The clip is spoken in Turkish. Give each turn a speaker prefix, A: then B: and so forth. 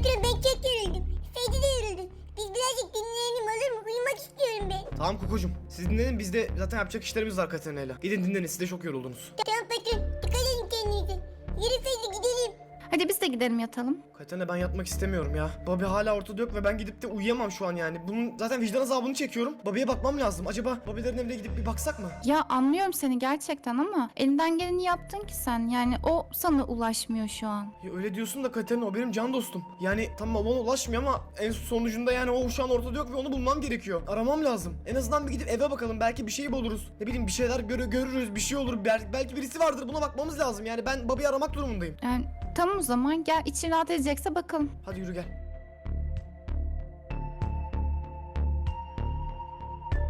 A: patron ben çok yoruldum. Ferdi de yoruldu. Biz birazcık dinlenelim olur mu? Uyumak istiyorum ben.
B: Tamam Koko'cum, siz dinlenin, biz de zaten yapacak işlerimiz var Katarina'yla. Gidin dinlenin, siz de çok yoruldunuz.
A: Tamam patron. Dikkat edin kendinize. Yürü Ferdi gidelim.
C: Hadi biz de gidelim yatalım.
B: Katerina, ben yatmak istemiyorum ya. Bobby hala ortada yok ve ben gidip de uyuyamam şu an yani. Bunun zaten vicdan azabını çekiyorum. Bobby'ye bakmam lazım. Acaba Bobby'lerin evine gidip bir baksak mı?
C: Ya anlıyorum seni gerçekten ama elinden geleni yaptın ki sen. Yani o sana ulaşmıyor şu an.
B: Ya öyle diyorsun da Katerina, o benim can dostum. Yani tamam, ona ulaşmıyor ama en sonucunda yani o şu an ortada yok ve onu bulmam gerekiyor. Aramam lazım. En azından bir gidip eve bakalım, belki bir şey buluruz. Ne bileyim, bir şeyler görürüz, bir şey olur. Belki birisi vardır, buna bakmamız lazım. Yani ben Bobby'yi aramak durumundayım.
C: Yani tamam o zaman gel, için rahat edecekse bakalım.
B: Hadi yürü gel.